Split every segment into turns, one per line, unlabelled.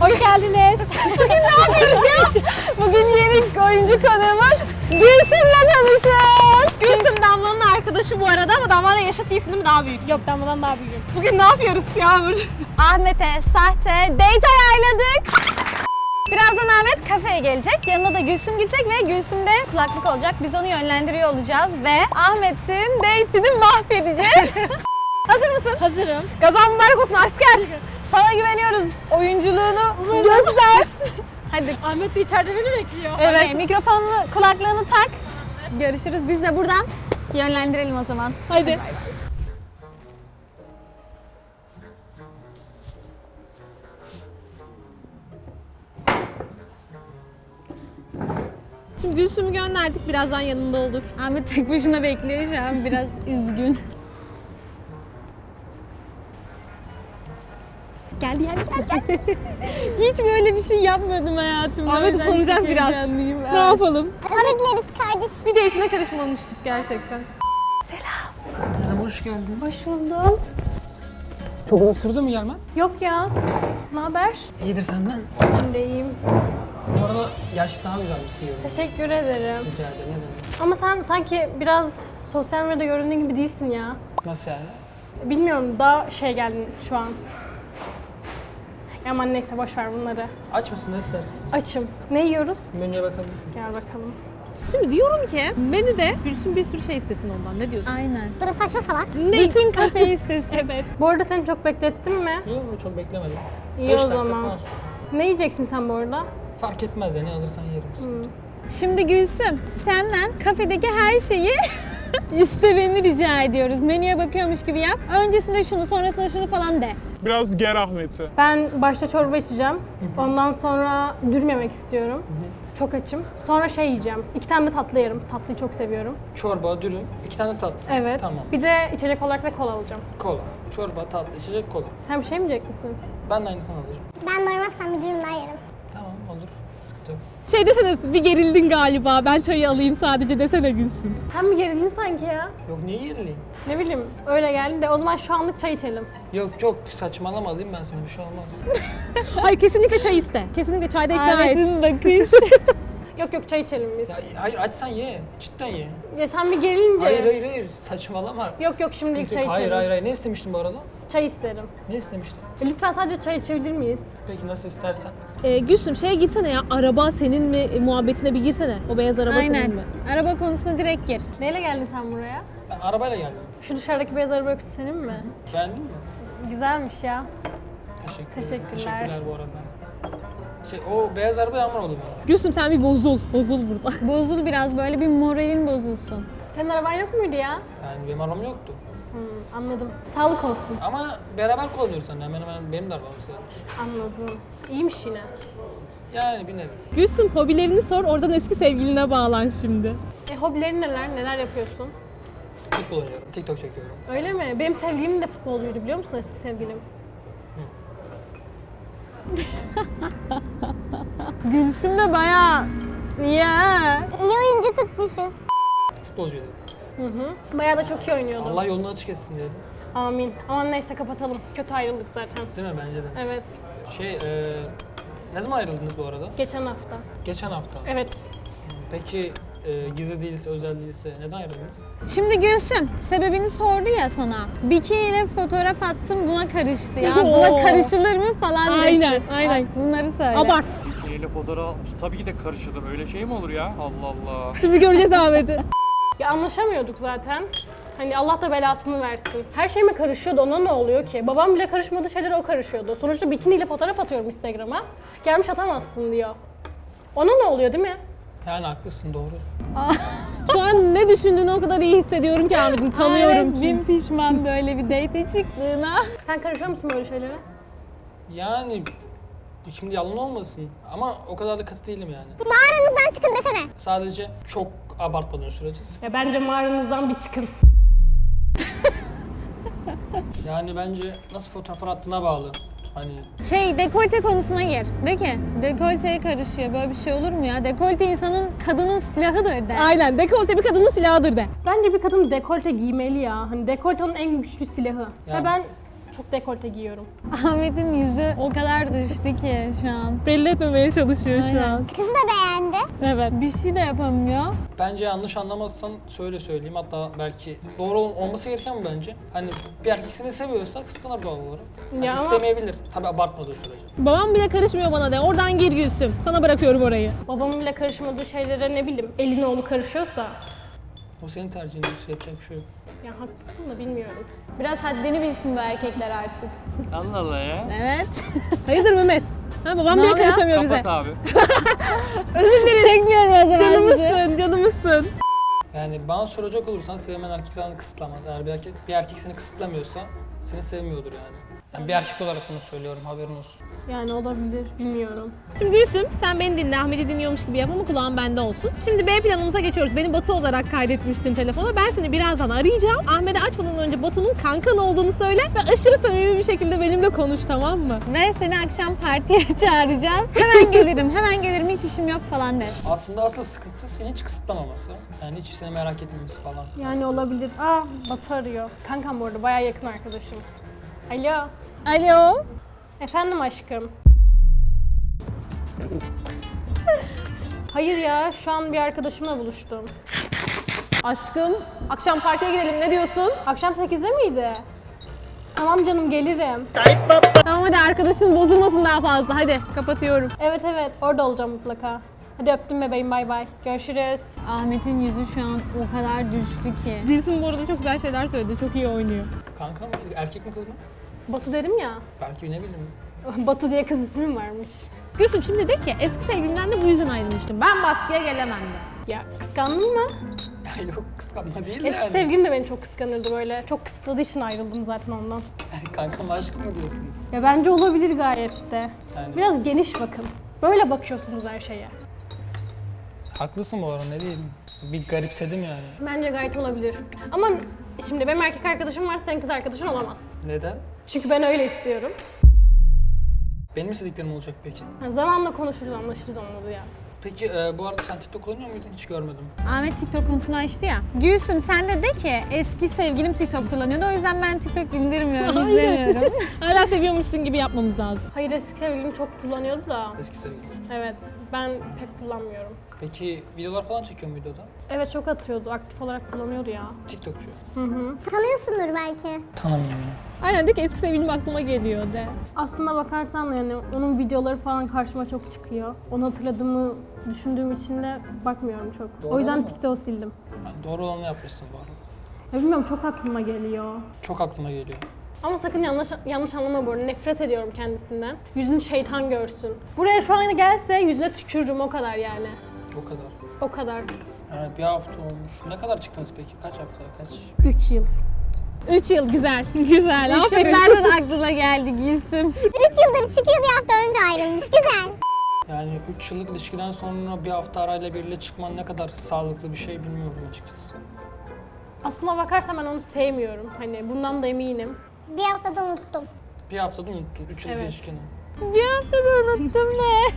Hoş geldiniz.
Bugün ne yapıyoruz ya? Bugün yeni oyuncu konuğumuz Gülsüm'le tanışın.
Gülsüm Damla'nın arkadaşı bu arada ama Damla'yla yaşıt değilsin değil mi? Daha büyüksün.
Yok, Damla'dan daha büyüğüm.
Bugün ne yapıyoruz Yağmur?
Ahmet'e sahte date ayarladık. Birazdan Ahmet kafeye gelecek. Yanına da Gülsüm gidecek ve Gülsüm'de kulaklık olacak. Biz onu yönlendiriyor olacağız ve Ahmet'in date'ini mahvedeceğiz. Hazır mısın?
Hazırım.
Gazan mübarek olsun asker.
Sana güveniyoruz. Oyunculuğunu göster. Hadi.
Ahmet de içeride beni bekliyor.
Evet. Mikrofonunu, kulaklığını tak. Görüşürüz. Biz de buradan yönlendirelim o zaman.
Hadi.
Şimdi Gülsüm'ü gönderdik. Birazdan yanında olur.
Ahmet tek başına bekliyor şu an. Biraz üzgün. Gel. Hiç böyle bir şey yapmadım hayatımda.
Ahmet
O yüzden
utanacak
çok
biraz.
heyecanlıyım.
Ne yapalım?
Özür dileriz kardeş.
Bir date'ine karışmamıştık gerçekten.
Selam, hoş geldin.
Hoş buldum.
Çok uzun sürdü mü gelmen?
Yok ya. Ne haber?
İyidir senden.
Ben de iyiyim.
Bu arada yaş daha güzelmişsin yorum.
Teşekkür ederim.
Rica ederim, ne demek.
Ama sen sanki biraz sosyal medyada göründüğün gibi değilsin ya.
Nasıl yani?
Bilmiyorum, daha şey geldin şu an. Aman neyse, boş ver bunları.
Aç mısın, ne istersin?
Açım. Ne yiyoruz?
Menüye bakabilirsin.
Gel bakalım.
Şimdi diyorum ki menüde Gülsüm bir sürü şey istesin ondan. Ne diyorsun?
Aynen.
Böyle saçma salak.
Bütün kafeyi istesin.
Evet. Bu arada seni çok beklettim mi?
Yok, çok beklemedim.
İyi
5
o
dakika
zaman.
falan sür.
Ne yiyeceksin sen bu arada?
Fark etmez ya, ne alırsan yerim. Sıkıntı yok.
Şimdi Gülsüm, senden kafedeki her şeyi istemeni rica ediyoruz. Menüye bakıyormuş gibi yap. Öncesinde şunu, sonrasında şunu falan de.
Biraz ger Ahmet'i.
Ben başta çorba içeceğim. Ondan sonra dürüm yemek istiyorum. Çok açım. Sonra şey yiyeceğim. 2 tane de tatlı yerim. Tatlıyı çok seviyorum.
Çorba, dürüm, 2 tane tatlı.
Evet.
Tamam.
Bir de içecek olarak da kola alacağım.
Kola. Çorba, tatlı, içecek, kola.
Sen bir şey mi yiyecek misin?
Ben de aynısını alacağım.
Ben doymazsam bir dürüm daha yerim.
Tamam, olur. Sıkıntı yok.
Şey desene, bir gerildin galiba. Ben çayı alayım sadece desene Gülsüm.
Sen mi gerildin sanki ya?
Yok, niye yerileyim?
Ne bileyim, öyle geldi de o zaman şu anlık çay içelim.
Yok, saçmalama, alayım ben seni, bir şey olmaz.
Hayır, kesinlikle çay iste. Kesinlikle çayda ikna et.
Ahmet'in bakış.
Yok çay içelim biz.
Ya, hayır, açsan ye. Cidden ye.
Ya sen bir gerilince...
Hayır, saçmalama.
Yok şimdilik
Sıkıntı
çay
yok.
içelim.
Hayır. Ne istemiştin bu arada?
Çay isterim.
Ne istemiştin?
Lütfen sadece çay içebilir miyiz?
Peki, nasıl istersen.
Gülsüm şeye girsene ya. Araba senin mi muhabbetine bir girsene. O beyaz araba senin
Aynen.
mi?
Araba konusuna direkt gir.
Neyle geldin sen buraya?
Ben arabayla geldim.
Şu dışarıdaki beyaz araba öyküsü senin mi?
Beğendin mi?
Güzelmiş ya.
Teşekkürler.
Teşekkürler.
Teşekkürler bu arada. O beyaz araba Yağmur oldu mu?
Gülsüm sen bir bozul. Bozul burada.
Bozul biraz, böyle bir moralin bozulsun.
Senin araban yok muydu ya?
Yani benim arabam yoktu.
Anladım. Sağlık olsun.
Ama beraber kullanıyoruz seninle. Hemen benim de arabam sayılır.
Anladım. İyiymiş yine.
Yani bir nevi.
Gülsüm hobilerini sor. Oradan eski sevgiline bağlan şimdi.
Hobilerin neler? Neler yapıyorsun?
Futbol oynuyorum. TikTok çekiyorum.
Öyle mi? Benim sevgilim de futbolcuydu, biliyor musun eski sevgilim?
Gülsüm de bayağı ya.
İyi oyuncu tutmuşuz.
Futbolcuydu.
Bayağı da çok iyi oynuyordu.
Allah yolunu açık etsin diyelim.
Amin. Aman neyse, kapatalım. Kötü ayrıldık zaten.
Değil mi? Bence de.
Evet.
Ne zaman ayrıldınız bu arada?
Geçen hafta.
Geçen hafta.
Evet.
Peki gizli değilse, özel değilse neden ayrıldınız?
Şimdi Gülsüm, sebebini sordu ya sana. Bikiniyle fotoğraf attım, buna karıştı ya. Buna
Oo.
karışılır mı falan desin.
Aynen.
Bunları söyle.
Abart.
Bikiniyle fotoğraf almış. Tabii ki de karışılır. Öyle şey mi olur ya? Allah Allah.
Şimdi göreceğiz Ahmet'i.
Ya anlaşamıyorduk zaten. Hani Allah da belasını versin. Her şeyime karışıyordu. Ona ne oluyor ki? Babam bile karışmadığı şeylere o karışıyordu. Sonuçta bikiniyle fotoğraf atıyorum Instagram'a. Gelmiş atamazsın diyor. Ona ne oluyor değil mi?
Yani haklısın, doğru.
Şu an ne düşündüğünü o kadar iyi hissediyorum ki Ahmet'in. Tanıyorum
Ahmet
ki.
bin pişman böyle bir date çıktığına.
Sen karışıyor musun böyle şeylere?
Yani şimdi yalan olmasın ama o kadar da katı değilim yani.
Mağaranızdan çıkın desene.
Sadece çok abartmadan sürece.
Ya bence mağaranızdan bir çıkın.
Yani bence nasıl fotoğraflar attığına bağlı. Hani
Dekolte konusuna gir. De ki dekolteye karışıyor. Böyle bir şey olur mu ya? Dekolte insanın, kadının silahıdır de.
Aynen. Dekolte bir kadının silahıdır de.
Bence bir kadın dekolte giymeli ya. Hani dekolte onun en güçlü silahı.
Ya.
Ve ben çok dekolte giyiyorum.
Ahmet'in yüzü o kadar düştü ki şu an.
Belli etmemeye çalışıyor şu
Aynen.
an.
Kızı da beğendi.
Evet.
Bir şey de yapamıyor.
Bence yanlış anlamazsan şöyle söyleyeyim. Hatta belki doğru olması gereken bu bence. Hani bir erkek seni seviyorsa kıskanır doğal olarak. Hani
Ya ama-
istemeyebilir. Tabii abartmadığı sürece.
Babam bile karışmıyor bana de. Oradan gir Gülsüm. Sana bırakıyorum orayı.
Babamın bile karışmadığı şeylere ne bileyim elin oğlu karışıyorsa.
O senin tercihin. Yapacak bir şey yok.
Ya haklısın da bilmiyorum.
Biraz haddini bilsin bu erkekler artık.
Allah Allah ya.
Evet.
Hayırdır Mehmet? Ha, babam
Ne
bile
oluyor?
karışamıyor bize.
Kapat abi.
Çekmiyorum o zaman sizi.
Canımızsın, canımızsın.
Yani bana soracak olursan sevmeyen erkek sana kısıtlamaz. Eğer bir erkek seni kısıtlamıyorsa seni sevmiyordur yani. Yani bir erkek olarak bunu söylüyorum, haberin olsun.
Yani olabilir, bilmiyorum.
Şimdi Gülsüm sen beni dinle, Ahmet'i dinliyormuş gibi yap ama kulağın bende olsun. Şimdi B planımıza geçiyoruz. Beni Batu olarak kaydetmiştin telefona. Ben seni birazdan arayacağım. Ahmet'e açmadan önce Batu'nun kankan olduğunu söyle ve aşırı samimi bir şekilde benimle konuş, tamam mı?
Ve seni akşam partiye çağıracağız. Hemen gelirim, hiç işim yok falan de.
Aslında asıl sıkıntı seni hiç kısıtlamaması. Yani hiç seni merak etmemesi falan.
Yani olabilir. Batu arıyor. Kankam bu arada bayağı yakın arkadaşım. Alo.
Alo.
Efendim aşkım. Hayır ya, şu an bir arkadaşımla buluştum.
Aşkım, akşam partiye gidelim ne diyorsun?
Akşam 8'de miydi? Tamam canım, gelirim.
Tamam hadi arkadaşın bozulmasın daha fazla. Hadi kapatıyorum.
Evet, orada olacağım mutlaka. Hadi öptüm bebeğim, bay bay. Görüşürüz.
Ahmet'in yüzü şu an o kadar düştü ki.
Gülsüm bu arada çok güzel şeyler söyledi. Çok iyi oynuyor.
Kanka mı? Erkek mi kız mı?
Batu dedim ya.
Belki ne bileyim.
Batu diye kız ismim varmış.
Gülsüm şimdi de ki eski sevgilimden de bu yüzden ayrılmıştım. Ben baskıya gelemem de.
Ya kıskandın mı?
Ya yok kıskanma değil de
Eski
yani.
sevgilim de beni çok kıskanırdı böyle. Çok kısıtladığı için ayrıldım zaten ondan.
Yani kankam aşkım mı diyorsun?
Ya bence olabilir gayet de.
Yani-
Biraz geniş bakın. Böyle bakıyorsunuz her şeye.
Haklısın bu arada ne diyeyim. Bir garipsedim yani.
Bence gayet olabilir. Ama şimdi benim erkek arkadaşım varsa senin kız arkadaşın olamaz.
Neden?
Çünkü ben öyle istiyorum.
Benim istediklerim olacak peki.
Zamanla konuşuruz, anlaşırız onları ya.
Peki bu arada sen TikTok kullanıyor muydun? Hiç görmedim.
Ahmet TikTok konusunu açtı ya. Gülsüm sen de ki eski sevgilim TikTok kullanıyordu. O yüzden ben TikTok indirmiyorum, izlemiyorum.
Hala seviyormuşsun gibi yapmamız lazım.
Hayır, eski sevgilim çok kullanıyordu da.
Eski sevgilim.
Evet, ben pek kullanmıyorum.
Peki videolar falan çekiyor muydu o da?
Evet, çok atıyordu, aktif olarak kullanıyordu ya.
TikTokçu.
Tanıyorsundur belki.
Tanımıyorum ya.
Aynen de ki eski sevgilim aklıma geliyor de.
Aslına bakarsan yani onun videoları falan karşıma çok çıkıyor. Onu hatırladığımı düşündüğüm için de bakmıyorum çok.
Doğru
O yüzden
mu?
TikTok'u sildim.
Yani doğru olanı yapmışsın bu arada.
Ya bilmiyorum, çok aklıma geliyor.
Çok aklıma geliyor.
Ama sakın yanlış anlama bu arada. Nefret ediyorum kendisinden. Yüzünü şeytan görsün. Buraya şu an gelse yüzüne tükürürüm, o kadar yani.
O kadar.
O kadar.
Yani bir hafta olmuş. Ne kadar çıktınız peki? Kaç hafta? Kaç?
3 yıl.
3 yıl güzel. Güzel. Aferin.
Nereden aklına geldi Gülsüm?
3 yıldır çıkıyor, bir hafta önce ayrılmış. Güzel.
Yani 3 yıllık ilişkiden sonra bir hafta arayla biriyle çıkman ne kadar sağlıklı bir şey bilmiyorum açıkçası.
Aslına bakarsan ben onu sevmiyorum. Hani bundan da eminim.
Bir haftada unuttum.
Bir haftada unuttun 3 yıllık
Evet.
ilişkini.
Bir haftada unuttum ne?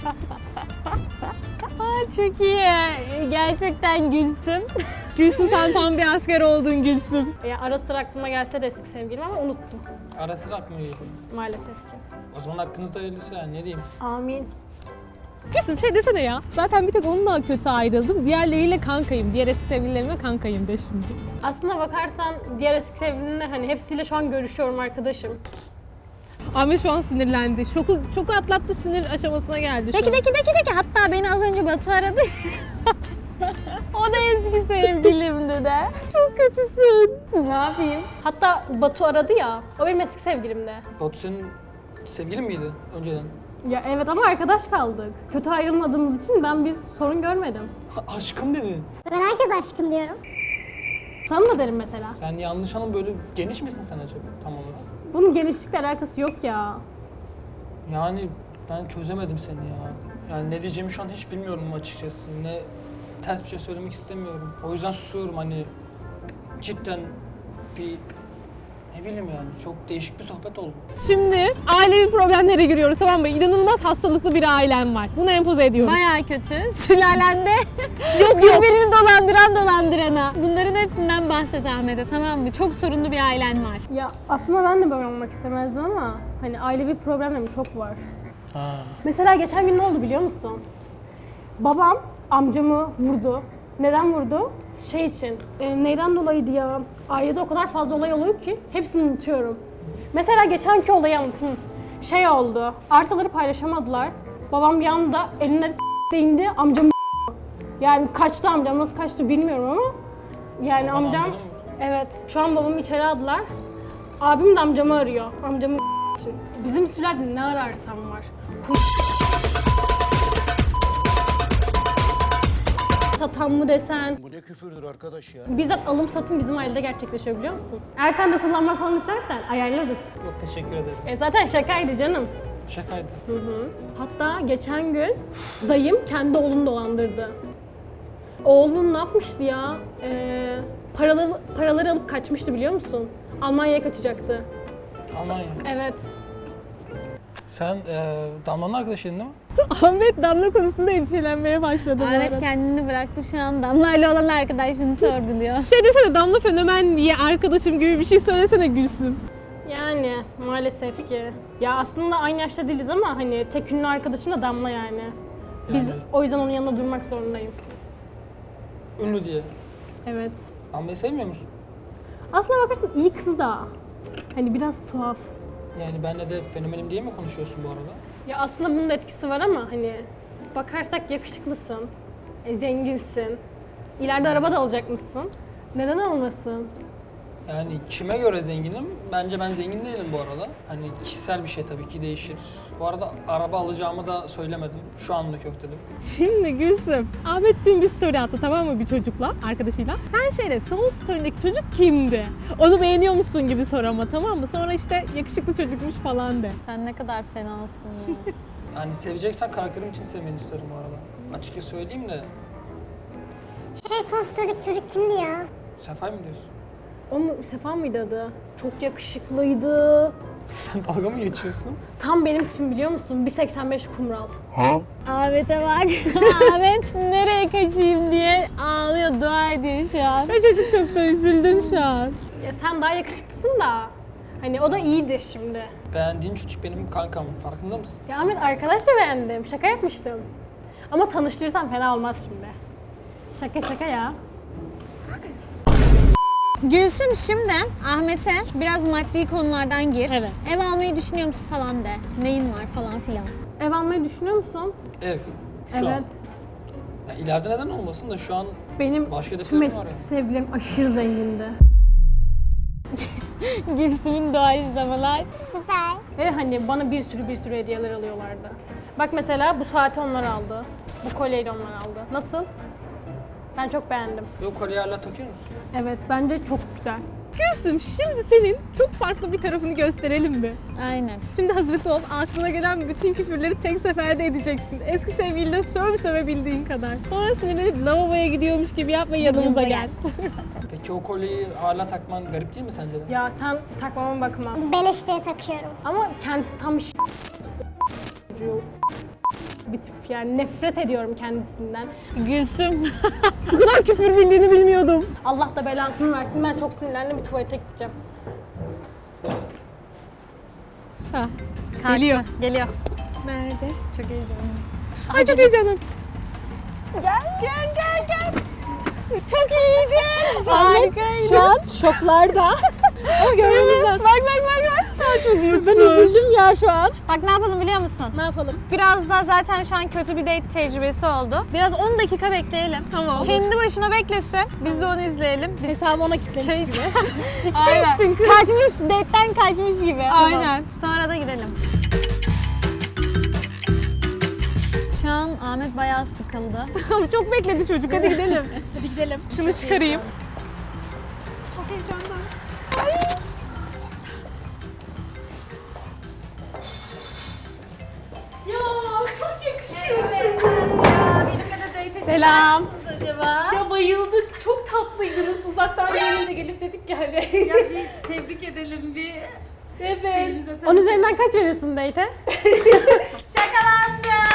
Çok iyi. Gerçekten Gülsüm.
Gülsüm sen tam bir asker oldun Gülsüm.
Ya ara sıra aklıma gelse de eski sevgilim ama unuttum
Ara sıra aklıma geliyor.
maalesef ki.
O zaman hakkınızda hayırlısı yani ne diyeyim.
Amin.
Gülsüm şey desene ya. Zaten bir tek onunla kötü ayrıldım. Diğerleriyle kankayım. Diğer eski sevgililerime kankayım de şimdi.
Aslına bakarsan diğer eski sevgilimle hani hepsiyle şu an görüşüyorum, arkadaşım.
Ahmet şu an sinirlendi. Şoku atlattı, sinir aşamasına geldi şu an.
Deki. Hatta beni az önce Batu aradı. O da eski sevgilimdi de. Çok kötüsün. Ne yapayım?
Hatta Batu aradı ya, o benim eski sevgilimdi.
Batu senin sevgilin miydi önceden?
Ya evet ama arkadaş kaldık. Kötü ayrılmadığımız için ben bir sorun görmedim.
Aşkım dedin.
Ben herkes aşkım diyorum.
Sana da derim mesela.
Yani yanlış anlam böyle geniş misin sen acaba tam olarak?
Bunun genişlikle alakası yok ya.
Yani ben çözemedim seni ya. Yani ne diyeceğimi şu an hiç bilmiyorum açıkçası. Ne ters bir şey söylemek istemiyorum. O yüzden susuyorum hani cidden bir Ne bileyim yani çok değişik bir sohbet oldu.
Şimdi ailevi problemlere giriyoruz, tamam mı? İnanılmaz hastalıklı bir ailem var. Bunu empoze ediyoruz.
Bayağı kötü. Sülalende birbirini dolandırana. Bunların hepsinden bahset Ahmet'e, tamam mı? Çok sorunlu bir ailen var.
Ya aslında ben de böyle olmak istemezdim ama hani ailevi problemlerim çok var.
Ha.
Mesela geçen gün ne oldu biliyor musun? Babam amcamı vurdu. Neden vurdu? Şey için. Neyden dolayıydı ya? Ailede o kadar fazla olay oluyor ki hepsini unutuyorum. Mesela geçenki olayı anlatayım. Şey oldu. Arsaları paylaşamadılar. Babam bir anda eline değindi. Amcam yani kaçtı amcam. Nasıl kaçtı bilmiyorum ama yani
Baban
amcam
amcanı mı?
evet. Şu an babamı içeri aldılar. Abim de amcamı arıyor. Amcamı için. Bizim sülalde ne ararsam var. Satan mı desen.
Bu ne küfürdür arkadaş ya.
Bizzat alım satım bizim ailede gerçekleşiyor biliyor musun? Eğer sen de kullanmak falan istersen ayarlarız.
Çok teşekkür ederim.
Zaten şakaydı canım.
Şakaydı.
Hatta geçen gün dayım kendi oğlunu dolandırdı. Oğlum ne yapmıştı ya? Paraları alıp kaçmıştı biliyor musun? Almanya'ya kaçacaktı.
Almanya.
Evet.
Sen Damla'nın arkadaşıydın değil mi?
Ahmet Damla konusunda endişelenmeye başladı bu
Ahmet
arada. kendini
bıraktı şu an. Damla'yla olan arkadaşını sorguluyor.
Şey desene, Damla fenomen diye arkadaşım gibi bir şey söylesene Gülsüm.
Yani maalesef ki. Ya aslında aynı yaşta değiliz ama hani tek ünlü arkadaşım da Damla yani. Biz
Yani-
o yüzden onun yanında durmak zorundayım.
Ünlü diye.
Evet.
Damla'yı sevmiyor musun?
Aslına bakarsan iyi kız da. Hani biraz tuhaf.
Yani benle de fenomenim diye mi konuşuyorsun bu arada?
Ya aslında bunun da etkisi var ama hani bakarsak yakışıklısın, zenginsin, ileride araba da alacakmışsın. Neden olmasın?
Yani kime göre zenginim? Bence ben zengin değilim bu arada. Hani kişisel bir şey tabii ki değişir. Bu arada araba alacağımı da söylemedim. Şu anlık yok dedim.
Şimdi Gülsüm, Ahmet dün bir story attı, tamam mı, bir çocukla, arkadaşıyla. Sen şöyle, son story'deki çocuk kimdi? Onu beğeniyor musun gibi sor ama, tamam mı? Sonra işte yakışıklı çocukmuş falan de.
Sen ne kadar fenasın ya.
Yani seveceksen karakterim için sevmeni isterim bu arada. Açıkça söyleyeyim de
Son story'deki çocuk kimdi ya?
Sefay mı diyorsun?
O mu, Sefa mıydı adı? Çok yakışıklıydı.
Sen dalga mı geçiyorsun?
Tam benim tipim biliyor musun? 1.85 kumral.
Ahmet'e bak. Ahmet nereye kaçayım diye ağlıyor, dua ediyor şu an.
Ben çocuk çok da üzüldüm şu an.
Ya sen daha yakışıklısın da. Hani o da iyiydi şimdi.
Beğendiğin çocuk benim kankam. Farkında mısın?
Ya Ahmet arkadaş da beğendim. Şaka yapmıştım. Ama tanıştırırsam fena olmaz şimdi. Şaka ya.
Gülsüm, şimdi Ahmet'e biraz maddi konulardan gir.
Evet.
Ev almayı düşünüyor musun falan de. Neyin var falan filan.
Ev almayı düşünüyor musun?
Ev. Şu an.
Evet.
Yani ileride neden olmasın da şu an
Benim
Başka
tüm
hedeflerim
eski
var yani.
sevgilim aşırı zengindi.
Gülsüm'ün doğaçlamalar.
Süper.
Ve hani bana bir sürü hediyeler alıyorlardı. Bak mesela bu saati onlar aldı. Bu kolyeyi de onlar aldı. Nasıl? Ben çok beğendim.
yok kolye hala takıyor musun?
Evet bence çok güzel.
Gülsüm, şimdi senin çok farklı bir tarafını gösterelim mi?
Aynen.
Şimdi hazırlıklı ol, aklına gelen bütün küfürleri tek seferde edeceksin. Eski sevgiline sövebildiğin kadar. Sonra sinirlenip lavaboya gidiyormuş gibi yap ve yanımıza gel.
Peki o kolyeyi hala takman garip değil mi sence de?
Ya sen takmama bakma.
Beleş diye takıyorum.
Ama kendisi tam bir bir tip yani nefret ediyorum kendisinden.
Gülsüm.
Bu kadar küfür bildiğini bilmiyordum.
Allah da belasını versin. Ben çok sinirlendim, bir tuvalete gideceğim.
Ha,
Kalktı.
Geliyor.
Geliyor.
nerede?
Çok heyecanlıyım.
Ay çok heyecanlıyım.
Gel. Çok iyiydi. Harikaydı.
Şu an şoklarda. Ama görmemiz lazım.
Bak.
Ben üzüldüm ya şu an.
Bak ne yapalım biliyor musun?
Ne yapalım?
Biraz da zaten şu an kötü bir date tecrübesi oldu. Biraz 10 dakika bekleyelim.
Tamam.
Kendi başına beklesin. Biz de onu izleyelim. Biz
Hesabı ona kilitlemiş
Çay-
gibi.
Aynen.
içtin kız.
Kaçmış, date'den kaçmış gibi.
Aynen.
Sonra da gidelim. Şu an Ahmet bayağı sıkıldı.
Çok bekledi çocuk, hadi gidelim.
Hadi gidelim.
Şunu çıkarayım.
Çok heyecandan.
Benimle de date
Selam.
acaba?
Ya bayıldık, çok tatlıydınız. Uzaktan görünce gelip dedik ki hani.
Ya bir tebrik edelim bir
Evet.
10 üzerinden kaç veriyorsun date'e?
Şakalandı.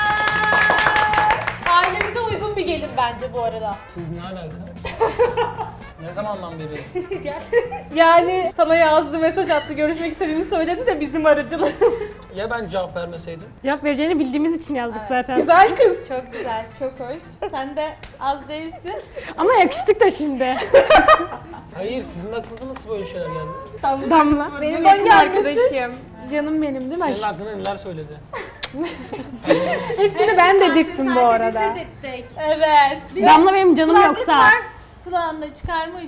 Ailemize uygun bir gelin bence bu arada.
Siz ne alaka? Ne zamandan beri?
Yani sana yazdı, mesaj attı, görüşmek istediğini söyledi de bizim aracılığımız.
Ya ben cevap vermeseydim?
Cevap vereceğini bildiğimiz için yazdık zaten.
Güzel kız.
Çok güzel, çok hoş. Sen de az değilsin.
Ama yakıştık da şimdi.
Hayır, sizin aklınıza nasıl böyle şeyler geldi?
Damla.
Benim yakın arkadaşım. Canım benim değil mi?
Senin hakkında neler söyledi?
Hepsini ben dedirttim bu arada.
Biz dedirttik.
Evet.
Damla benim canım yoksa.
Kulağında çıkarmış.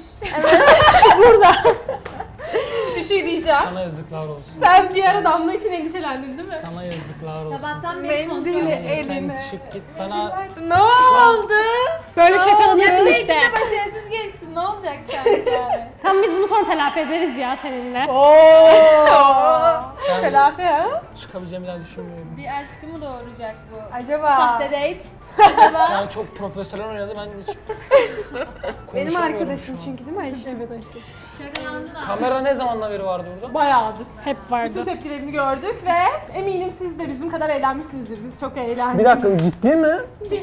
Bir şey diyeceğim.
Sana yazıklar olsun.
Sen bir ara Damla için endişelendin değil mi?
Sana yazıklar olsun.
Sabahtan beri
Benim
kontrol
dili
ediyorum.
Sen
elime.
çık git bana.
Ne oldu?
Böyle şakalanırsın işte.
Eğitimde başarısız geçsin, ne olacak sanki yani?
Tamam biz bunu sonra telafi ederiz ya seninle.
Ben
Telafi ha?
çıkabileceğimi daha düşünmüyorum.
Bir aşkı mı doğuracak bu?
Acaba?
Sahte date. Acaba?
Yani çok profesyonel oynadı, ben hiç
Benim
konuşamıyorum
arkadaşım
şu an.
çünkü değil mi Ayşe? Evet Ayşe.
Şakalandın abi.
Kamera ne zamandan beri vardı burada?
Bayağıdır.
Hep
Bütün
vardı.
tepkilerini gördük ve eminim siz de bizim kadar eğlenmişsinizdir. Biz çok eğlendik.
dakika, gitti mi?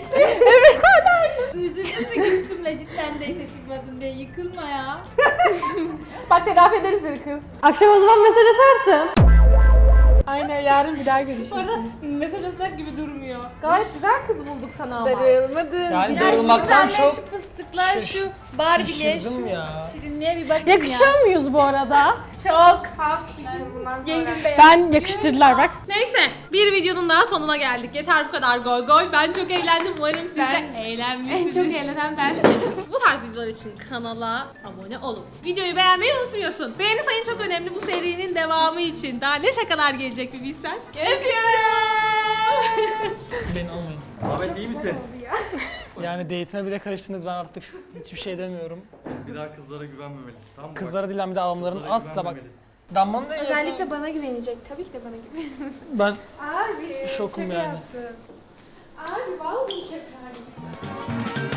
Üzüldün mü Gülsüm'le cidden date çıkmadın diye? Yıkılma ya.
Bak telafi ederiz seni kız.
Akşam o zaman mesaj atarsın.
Aynen yarın bir daha görüşürüz.
Bu arada mesaj atacak gibi durmuyor.
Gayet güzel kız bulduk sana ama.
Yani
Darılmadın.
Ya şu
darılmaktan
güzeller,
çok
şu fıstıklar,
şaş-
şu Barbie'ler,
şaşırdım
şu
ya.
şirinliğe bir bakın
Yakışıyor muyuz bu arada?
Çok. Fav çiftim bundan sonra.
Ben yakıştırdılar bak.
Neyse bir videonun daha sonuna geldik. Yeter bu kadar goy goy. Ben çok eğlendim. Umarım siz de eğlenmişsiniz. En çok eğlenen ben. Bu tarz videolar için kanala abone olun. Videoyu beğenmeyi unutmuyorsun. Beğeni sayın çok önemli bu serinin devamı için. Daha ne şakalar gelecek bir bilsen. Öpüyorum.
Beni almayın.
Ahmet iyi misin?
Yani date'ime bile karıştınız, ben artık hiçbir şey demiyorum.
Bir daha kızlara güvenmemelisin, tamam mı?
Kızlara değil, bir de adamların
Kızlara
asla bak.
güvenmemelisin.
Damlanın da
Özellikle bana güvenecek. Tabii ki de bana güvenecek.
ben
Abi
şokum
şaka
yani.
yaptım. Abi vallahi şaka.